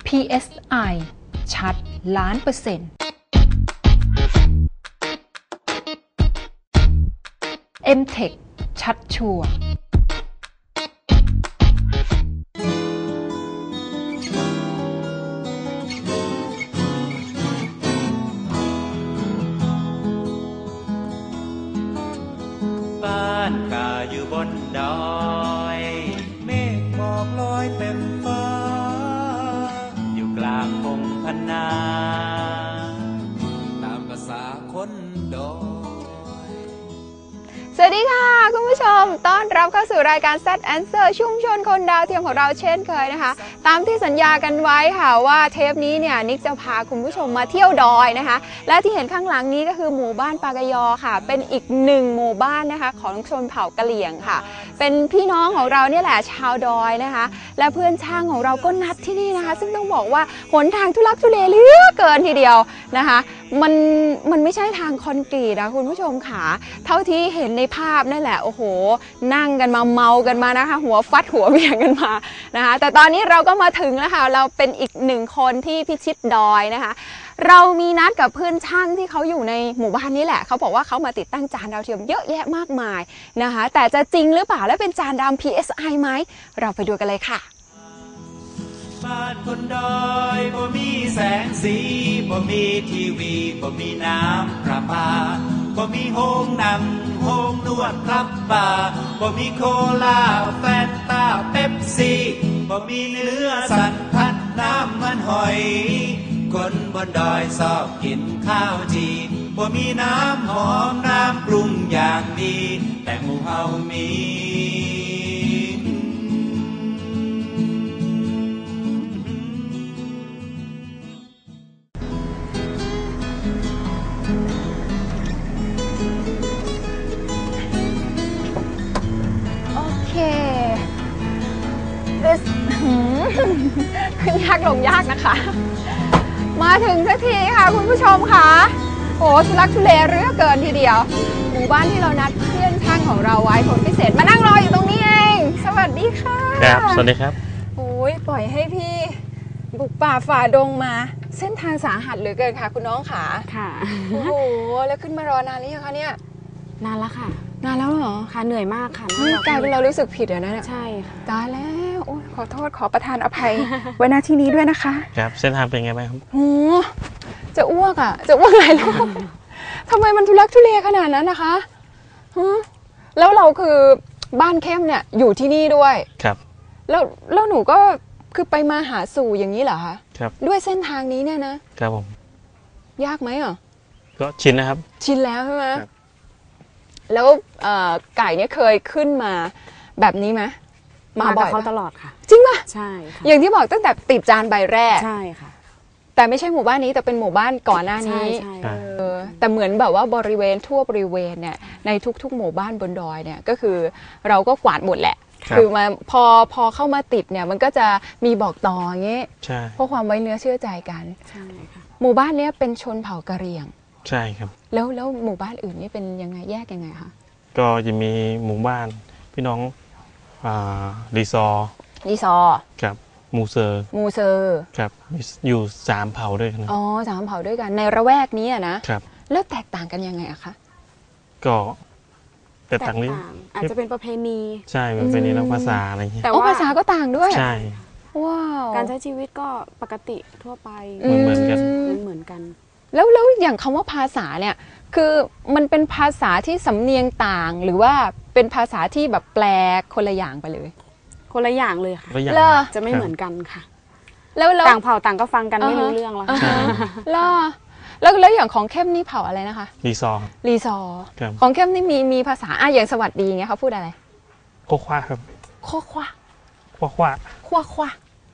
PSI ชัด1,000,000% MTech ชัดชัวร์บ้านข้าอยู่บนดอยเมฆหมอกลอยเต็มฟ้าอยู่กลางพงพนาตามภาษาคนดอยสวัสดีค่ะคุณผู้ชมต้อนรับเข้าสู่รายการ Z Answer ชุมชนคนดาวเทียมของเราเช่นเคยนะคะตามที่สัญญากันไว้ค่ะว่าเทปนี้เนี่ยนิกจะพาคุณผู้ชมมาเที่ยวดอยนะคะและที่เห็นข้างหลังนี้ก็คือหมู่บ้านปากยอค่ะเป็นอีกหนึ่งหมู่บ้านนะคะของชนเผ่ากะเหรี่ยงค่ะเป็นพี่น้องของเราเนี่ยแหละชาวดอยนะคะและเพื่อนช่างของเราก็นัดที่นี่นะคะซึ่งต้องบอกว่าหนทางทุลักทุเลเหลือเกินทีเดียวนะคะมันไม่ใช่ทางคอนกรีตนะคุณผู้ชมค่ะเท่าที่เห็นในภาพนั่นแหละโอ้โหนั่งกันมาเมากันมานะคะหัวฟัดหัวเบี่ยงกันมานะคะแต่ตอนนี้เราก็มาถึงแล้วค่ะเราเป็นอีกหนึ่งคนที่พิชิตดอยนะคะเรามีนัดกับเพื่อนช่างที่เขาอยู่ในหมู่บ้านนี้แหละเขาบอกว่าเขามาติดตั้งจานดาวเทียมเยอะแยะมากมายนะคะแต่จะจริงหรือเปล่าและเป็นจานดาว PSI ไหมเราไปดูกันเลยค่ะบ้านคนดอยบ่มีแสงสีบ่มีทีวีบ่มีน้ำประปาบ่มีโฮงหนังโฮงนวดครับบาร์บ่มีโคลาแฟนตาเป๊ปซี่บ่มีเนื้อสันพัดน้ำมันหอยคนบนดอยชอบกินข้าวจีบ่มีน้ำหอมน้ำปรุงอย่างดีแต่หมู่เฮามีขึ้นยากลงยากนะคะมาถึงสักทีค่ะคุณผู้ชมค่ะโอ้ทุลักทุเลเรือเกินทีเดียวหมู่บ้านที่เรานัดเพื่อนช่างของเราไว้คนพิเศษมานั่งรออยู่ตรงนี้เองสวัสดีค่ะครับสวัสดีครับโอ้ยปล่อยให้พี่บุกป่าฝ่าดงมาเส้นทางสาหัสเหลือเกินค่ะคุณน้องขาค่ะโอ้โหแล้วขึ้นมารอนานหรือยังคะเนี่ยนานแล้วค่ะนานแล้วเหรอค่ะเหนื่อยมากค่ะกลายเป็นเรารู้สึกผิดอะนะใช่ค่ะตายแล้วโอ้ขอโทษขอประทานอภัย ไว้หน้าที่นี้ด้วยนะคะครับเส้นทางเป็นไงบ้างครับโอ้จะอ้วกอ่ะจะอ้วกหลายรอบทำไมมันทุลักทุเลขนาดนั้นนะคะแล้วเราคือบ้านเข้มเนี่ยอยู่ที่นี่ด้วยครับแล้วหนูก็คือไปมาหาสู่อย่างนี้เหรอคะครับด้วยเส้นทางนี้เนี่ยนะครับผมยากไหมอ่ะก็ชินนะครับชินแล้วใช่ไหมแล้วไก่เนี่ยเคยขึ้นมาแบบนี้ไหมมาบ่อยเขาตลอดค่ะจริงป่ะใช่ค่ะอย่างที่บอกตั้งแต่ติดจานใบแรกใช่ค่ะแต่ไม่ใช่หมู่บ้านนี้แต่เป็นหมู่บ้านก่อนหน้านี้แต่เหมือนแบบว่าบริเวณทั่วบริเวณเนี่ยในทุกๆหมู่บ้านบนดอยเนี่ยก็คือเราก็กวาดหมดแหละคือมาพอเข้ามาติดเนี่ยมันก็จะมีบอกต่ออย่างเงี้ยเพราะความไว้เนื้อเชื่อใจกันใช่ค่ะหมู่บ้านนี้เป็นชนเผ่ากะเหรี่ยงใช่ครับแล้วหมู่บ้านอื่นนี่เป็นยังไงแยกยังไงคะก็จะมีหมู่บ้านพี่น้องรีซอครับมูเซอร์ครับอยู่3เผ่าด้วยกันอ๋อ3เผ่าด้วยกันในระแวกนี้นะครับแล้วแตกต่างกันยังไงอะคะก็แตกต่างอาจจะเป็นประเพณีใช่ประเพณีแล้วภาษาอะไรอย่างเงี้ยแต่ว่าภาษาก็ต่างด้วยใช่ว้าวการใช้ชีวิตก็ปกติทั่วไปเหมือนกันแล้วอย่างคำว่าภาษาเนี่ยคือมันเป็นภาษาที่สำเนียงต่างหรือว่าเป็นภาษาที่แบบแปลคนละอย่างไปเลยคนละอย่างเลยค่ะจะไม่เหมือนกันค่ะแล้วต่างเผ่าต่างก็ฟังกันไม่รู้เรื่องแล้วแล้วอย่างของเข้มนี่เผ่าอะไรนะคะรีซอของเข้มนี่มีภาษาอย่างสวัสดีเงี้ยเขาพูดอะไรโคควาครับโคควา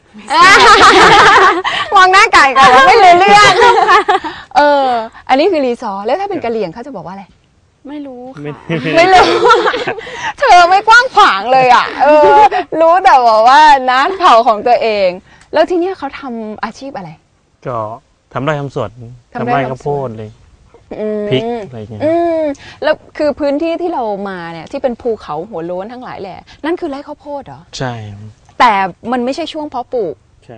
มองหน้าไก่กันไม่รู้เรื่องอันนี้คือรีซอร์แล้วถ้าเป็นกะเหรี่ยงเขาจะบอกว่าอะไรไม่รู้ค่ะไม่รู้เธอไม่กว้างขวางเลยอ่ะรู้แต่ว่าน้าเผ่าของตัวเองแล้วที่นี่เขาทำอาชีพอะไรก็ทำไร่ทำสวนทำไร่ข้าวโพดเลยพริกอะไรเงี้ยแล้วคือพื้นที่ที่เรามาเนี่ยที่เป็นภูเขาหัวโล้นทั้งหลายแหละนั่นคือไร่ข้าวโพดเหรอใช่แต่มันไม่ใช่ช่วงเพาะปลูกใช่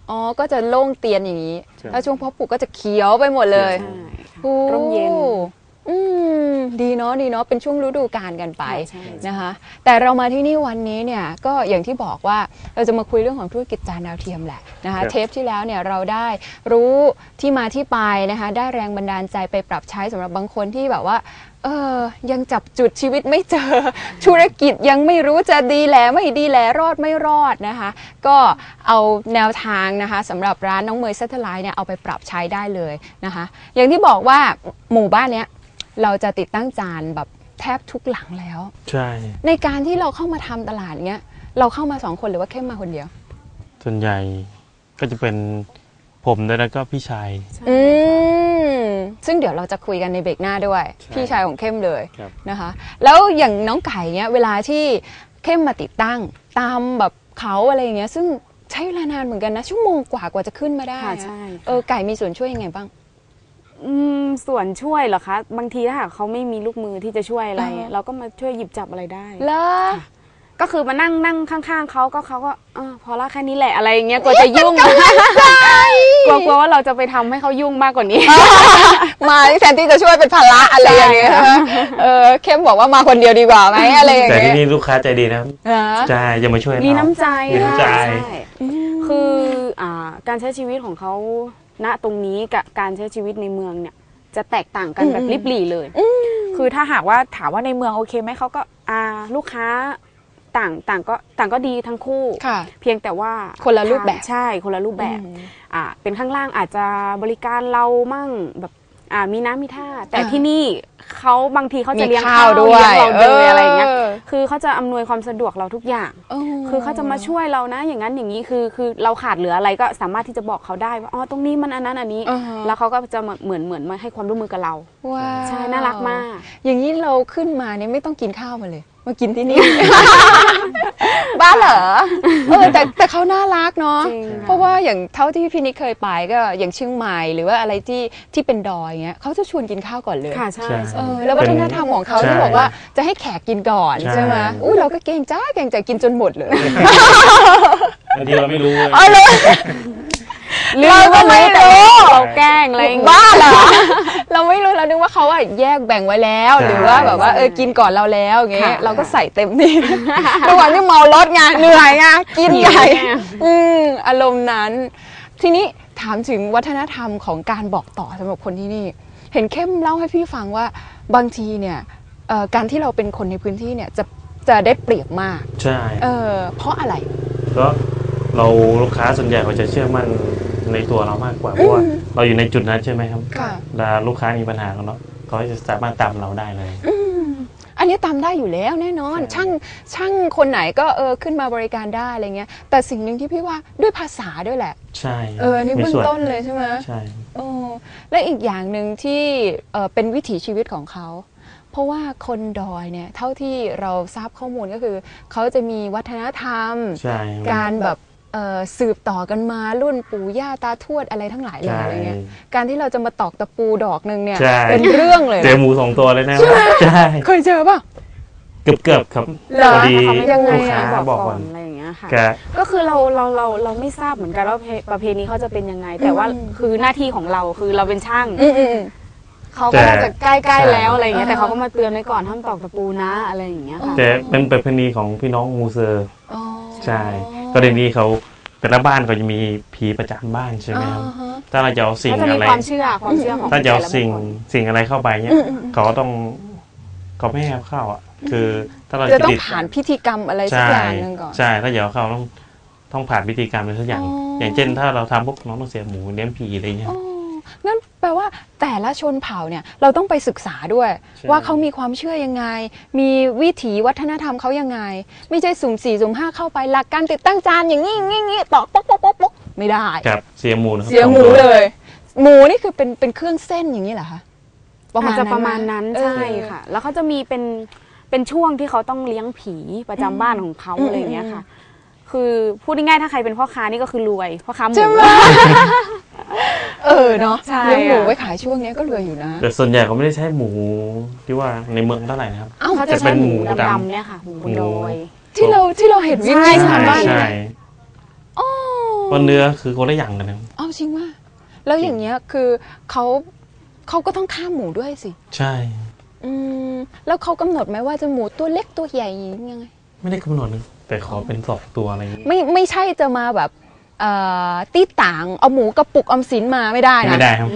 อ๋อก็จะโล่งเตียนอย่างนี้แล้วช่วงเพาะปลูกก็จะเขียวไปหมดเลยร่มเย็นดีเนาะดีเนาะเป็นช่วงฤดูกาลกันไปนะคะแต่เรามาที่นี่วันนี้เนี่ยก็อย่างที่บอกว่าเราจะมาคุยเรื่องของธุรกิจจานดาวเทียมแหละนะคะเทปที่แล้วเนี่ยเราได้รู้ที่มาที่ไปนะคะได้แรงบันดาลใจไปปรับใช้สำหรับบางคนที่แบบว่ายังจับจุดชีวิตไม่เจอธุรกิจยังไม่รู้จะดีแลไม่ดีแลรอดไม่รอดนะคะก็เอาแนวทางนะคะสำหรับร้านน้องเมย Satellite เนี่ยเอาไปปรับใช้ได้เลยนะคะอย่างที่บอกว่าหมู่บ้านเนี้ยเราจะติดตั้งจานแบบแทบทุกหลังแล้วใช่ในการที่เราเข้ามาทำตลาดเงี้ยเราเข้ามา2 คนหรือว่าเข้มมาคนเดียวส่วนใหญ่ก็จะเป็นผมแล้วก็พี่ชายซึ่งเดี๋ยวเราจะคุยกันในเบรกหน้าด้วยพี่ชายของเข้มเลยนะคะแล้วอย่างน้องไก่เนี้ยเวลาที่เข้มมาติดตั้งตามแบบเขาอะไรอย่างเงี้ยซึ่งใช้เวลานานเหมือนกันนะชั่วโมงกว่าจะขึ้นมาได้ไก่มีส่วนช่วยยังไงบ้างส่วนช่วยเหรอคะบางทีถ้าหากเขาไม่มีลูกมือที่จะช่วยอะไรเราก็มาช่วยหยิบจับอะไรได้แล้วก็คือมานั่งข้างๆเขาก็พอละแค่นี้แหละอะไรอย่างเงี้ยกลัวจะยุ่งกลัวว่าเราจะไปทำให้เขายุ่งมากกว่านี้มาแทนที่จะช่วยเป็นภาระอะไรอย่างเงี้ยเข้มบอกว่ามาคนเดียวดีกว่าไหมอะไรอย่างเงี้ยแต่ที่นี่ลูกค้าใจดีนะใช่จะมาช่วยมีน้ำใจคือการใช้ชีวิตของเขาณตรงนี้กับการใช้ชีวิตในเมืองเนี่ยจะแตกต่างกันแบบลิบหลี่เลยคือถ้าหากว่าถามว่าในเมืองโอเคไหมเขาก็ลูกค้าต่างก็ดีทั้งคู่เพียงแต่ว่าคนละรูปแบบใช่คนละรูปแบบเป็นข้างล่างอาจจะบริการเรามั่งแบบมีน้ำมีท่าแต่ที่นี่เขาบางทีเขาจะเลี้ยงข้าวด้วยเราเลยอะไรอย่างเงี้ยคือเขาจะอำนวยความสะดวกเราทุกอย่างคือเขาจะมาช่วยเรานะอย่างนั้นอย่างนี้คือเราขาดเหลืออะไรก็สามารถที่จะบอกเขาได้ว่าอ๋อตรงนี้มันอันนั้นอันนี้แล้วเขาก็จะเหมือนมาให้ความร่วมมือกับเราใช่น่ารักมากอย่างนี้เราขึ้นมาเนี่ยไม่ต้องกินข้าวมาเลยมากินที่นี่บ้าเหรอแต่เขาน่ารักเนาะเพราะว่าอย่างเท่าที่พี่นิกเคยไปก็อย่างเชียงใหม่หรือว่าอะไรที่เป็นดอยเงี้ยเขาจะชวนกินข้าวก่อนเลยค่ะใช่แล้ววัฒนธรรมของเขาที่บอกว่าจะให้แขกกินก่อนใช่ไหมเราก็เกรงใจกินจนหมดเลยบางทีเราไม่รู้เราก็ไม่รู้เราแกล้งอะไรบ้าเหรอเราไม่รู้เราคิดว่าเขาแยกแบ่งไว้แล้วหรือว่าแบบว่ากินก่อนเราแล้วอย่างเงี้ยเราก็ใส่เต็มที่ทุกวันที่เมารถไงเหนื่อยไงกินใหญ่อารมณ์นั้นทีนี้ถามถึงวัฒนธรรมของการบอกต่อสำหรับคนที่นี่เห็นเข้มเล่าให้พี่ฟังว่าบางทีเนี่ยการที่เราเป็นคนในพื้นที่เนี่ยจะได้เปรียบมากใช่เพราะอะไรก็เราลูกค้าส่วนใหญ่เขาจะเชื่อมั่นในตัวเรามากกว่าเพราะว่าเราอยู่ในจุดนั้นใช่ไหมครับแล้วลูกค้ามีปัญหากันเนาะเขาจะสามารถตามเราได้เลยอันนี้ตามได้อยู่แล้วแน่นอนช่างคนไหนก็ขึ้นมาบริการได้อะไรเงี้ยแต่สิ่งหนึ่งที่พี่ว่าด้วยภาษาด้วยแหละใช่นี่เบื้องต้นเลยใช่ไหมใช่และอีกอย่างหนึ่งที่เป็นวิถีชีวิตของเขาเพราะว่าคนดอยเนี่ยเท่าที่เราทราบข้อมูลก็คือเขาจะมีวัฒนธรรมการแบบสืบต่อกันมารุ่นปู่ย่าตาทวดอะไรทั้งหลายเลยอะไรเงี้ยการที่เราจะมาตอกตะปูดอกนึงเนี่ยเป็นเรื่องเลยเจอหมู2 ตัวเลยนะใช่เคยเจอป่ะเกือบครับพอดีลูกค้าบอกก่อนอะไรอย่างเงี้ยค่ะก็คือเราไม่ทราบเหมือนกันว่าประเพณีเขาจะเป็นยังไงแต่ว่าคือหน้าที่ของเราคือเราเป็นช่างเขาก็จะใกล้ๆแล้วอะไรอย่างเงี้ยแต่เขาก็มาเตือนไว้ก่อนห้ามตอกตะปูนะอะไรอย่างเงี้ยค่ะแต่เป็นประเพณีของพี่น้องมูเซอร์ใช่ก็เดี๋ยวนี้เขาแต่ละบ้านเขาจะมีผีประจำบ้านใช่ไหมครับถ้าเราจะเอาสิ่งอะไรความเชื่อของถ้าจะเอาสิ่งอะไรเข้าไปเนี่ยเขาไม่ให้เข้าอ่ะคือถ้าเราจะต้องผ่านพิธีกรรมอะไรสักอย่างนึงก่อนใช่ถ้าจะเอาเข้าต้องผ่านพิธีกรรมอะไรสักอย่างอย่างเช่นถ้าเราทำพวกน้องต้องเสียหมูเลี้ยงผีอะไรเงี้ยงั้นแปลว่าแต่ละชนเผ่าเนี่ยเราต้องไปศึกษาด้วยว่าเขามีความเชื่อยังไงมีวิถีวัฒนธรรมเขายังไงไม่ใช่สุ่ม4สุ่ม5เข้าไปหลักการติดตั้งจานอย่างงี้ตอกป๊อกไม่ได้ครับเสียหมูเสียหมูเลยหมูนี่คือเป็นเครื่องเส้นอย่างนี้เหรอคะประมาณนั้นใช่ค่ะแล้วเขาจะมีเป็นช่วงที่เขาต้องเลี้ยงผีประจำบ้านของเขาอะไรอย่างเงี้ยค่ะคือพูดง่ายๆถ้าใครเป็นพ่อค้านี่ก็คือรวยพ่อค้าหมูเนาะเลี้ยงหมูไว้ขายช่วงนี้ก็รวยอยู่นะแต่ส่วนใหญ่เขาไม่ได้ใช้หมูที่ว่าในเมืองเท่าไหร่นะครับเขาจะใช้หมูดำเนี่ยค่ะหมูดอยที่เราเห็นวิ่งในชาวบ้านใช่เพราะเนื้อคือคนละอย่างกันนะอ๋อจริงว่าแล้วอย่างเงี้ยคือเขาก็ต้องฆ่าหมูด้วยสิใช่แล้วเขากำหนดไหมว่าจะหมูตัวเล็กตัวใหญ่ยังไงไม่ได้กำหนดนะแต่ขอเป็น2 ตัวอะไรอย่างงี้ไม่ใช่จะมาแบบตีต่างเอาหมูกระปุกออมสินมาไม่ได้นะไม่ได้ครับ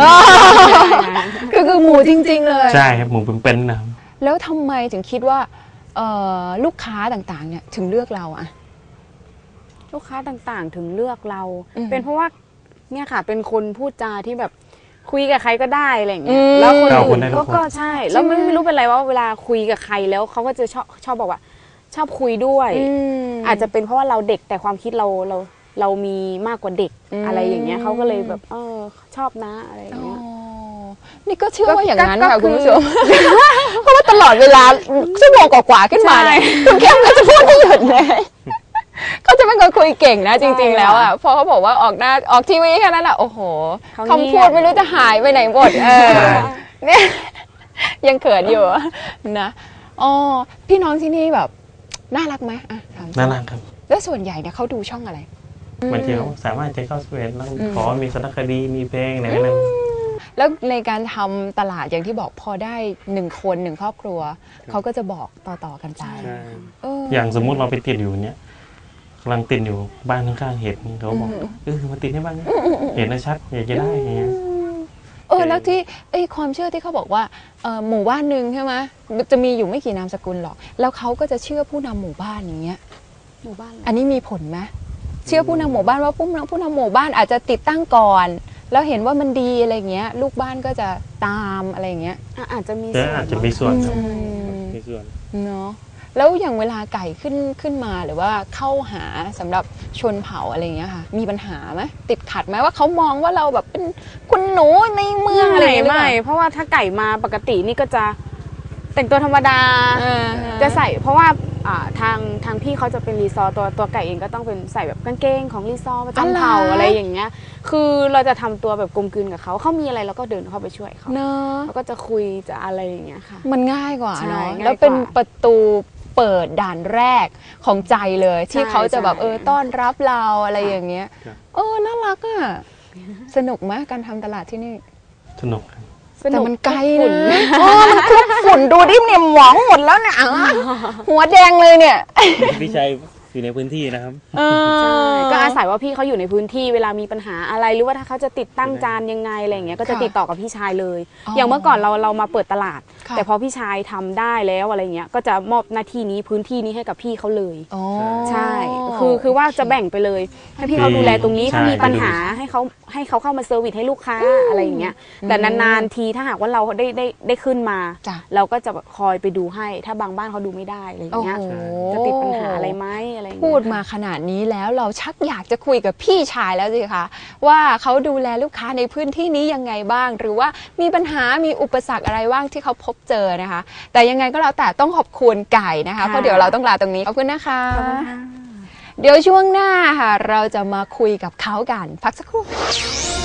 คือหมูจริงๆเลยใช่ครับหมูเป็นๆนะแล้วทำไมถึงคิดว่าลูกค้าต่างๆเนี่ยถึงเลือกเราอะลูกค้าต่างๆถึงเลือกเราเป็นเพราะว่าเนี่ยค่ะเป็นคนพูดจาที่แบบคุยกับใครก็ได้อะไรอย่างเงี้ยแล้วคนอื่นก็ใช่แล้วไม่รู้เป็นไรว่าเวลาคุยกับใครแล้วเขาก็จะชอบบอกว่าชอบคุยด้วยอาจจะเป็นเพราะว่าเราเด็กแต่ความคิดเรามีมากกว่าเด็กอะไรอย่างเงี้ยเขาก็เลยแบบชอบนะอะไรอย่างเงี้ยนี่ก็เชื่อว่าอย่างนั้นค่ะคุณผู้ชมเพราะว่าตลอดเวลาชั่วโมงกว่าๆขึ้นมาเนี่ยคุณเข้มก็จะพูดไม่หยุดเลยเขาจะเป็นคนคุยเก่งนะจริงๆแล้วอ่ะพอเขาบอกว่าออกทีวีแค่นั้นแหละโอ้โหคำพูดไม่รู้จะหายไปไหนหมดเนี่ยยังเขินอยู่นะอ๋อพี่น้องที่นี่แบบน่ารักไหมน่ารักครับแล้วส่วนใหญ่เนี่ยเขาดูช่องอะไรบางทีเขาสามารถจะเข้าสเปนแล้วขอมีสารคดีมีเพลงอะไรนั้นแล้วในการทำตลาดอย่างที่บอกพอได้1 คน1 ครอบครัวเขาก็จะบอกต่อกันไปอย่างสมมุติเราไปติดอยู่เนี้ยกำลังติดอยู่บ้านข้างๆเห็ดเขาบอกมาติดให้บ้างเห็นนะชัดอยากจะได้อย่างเงี้ยแล้วที่ความเชื่อที่เขาบอกว่าหมู่บ้านหนึ่งใช่ไหมจะมีอยู่ไม่กี่นามสกุลหรอกแล้วเขาก็จะเชื่อผู้นำหมู่บ้านอย่างเงี้ยหมู่บ้านอันนี้มีผลไหมเชื่อผู้นำหมู่บ้านว่าผู้นำหมู่บ้านอาจจะติดตั้งก่อนแล้วเห็นว่ามันดีอะไรเงี้ยลูกบ้านก็จะตามอะไรเงี้ยอาจจะมีส่วนเนาะแล้วอย่างเวลาไก่ขึ้นมาหรือว่าเข้าหาสำหรับชนเผ่าอะไรเงี้ยค่ะมีปัญหาไหมติดขัดไหมว่าเขามองว่าเราแบบเป็นคุณหนูในเมืองอะไรไม่เพราะว่าถ้าไก่มาปกตินี่ก็จะแต่งตัวธรรมดาจะใส่เพราะว่าทางพี่เขาจะเป็นรีซอร์ตัวไก่เองก็ต้องเป็นใส่แบบกางเกงของรีซอร์ประจำเผ่าอะไรอย่างเงี้ยคือเราจะทำตัวแบบกลมกลืนกับเขามีอะไรเราก็เดินเข้าไปช่วยเขาแล้วก็จะคุยจะอะไรอย่างเงี้ยค่ะมันง่ายกว่าเนาะแล้วเป็นประตูเปิดด่านแรกของใจเลยที่เขาจะแบบต้อนรับเราอะไรอย่างเงี้ยน่ารักอ่ะสนุกไหมการทำตลาดที่นี่สนุกแต่มันไกลนะมันคลุกฝุ่นดูดิเนี่ยหมองหมดแล้วเนี่ยหัวแดงเลยเนี่ยพี่ชัยอยู่ในพื้นที่นะครับก็อาศัยว่าพี่เขาอยู่ในพื้นที่เวลามีปัญหาอะไรหรือว่าถ้าเขาจะติดตั้งจานยังไงอะไรอย่างเงี้ยก็จะติดต่อกับพี่ชายเลยอย่างเมื่อก่อนเรามาเปิดตลาดแต่พอพี่ชายทำได้แล้วอะไรเงี้ยก็จะมอบหน้าที่นี้พื้นที่นี้ให้กับพี่เขาเลยใช่คือว่าจะแบ่งไปเลยให้พี่เขาดูแลตรงนี้ถ้ามีปัญหาให้เขาเข้ามาเซอร์วิสให้ลูกค้าอะไรอย่างเงี้ยแต่นานๆทีถ้าหากว่าเราได้ขึ้นมาเราก็จะคอยไปดูให้ถ้าบางบ้านเขาดูไม่ได้อะไรอย่างเงี้ยจะติดปัญหาอะไรไหมอะไรพูดมาขนาดนี้แล้วเราชักอยากจะคุยกับพี่ชายแล้วสิคะว่าเขาดูแลลูกค้าในพื้นที่นี้ยังไงบ้างหรือว่ามีปัญหามีอุปสรรคอะไรบ้างที่เขาพบเจอนะคะแต่ยังไงก็แล้วแต่ต้องขอบคุณไก่นะคะเพราะเดี๋ยวเราต้องลาตรงนี้ขอบคุณนะคะเดี๋ยวช่วงหน้าค่ะเราจะมาคุยกับเขากันพักสักครู่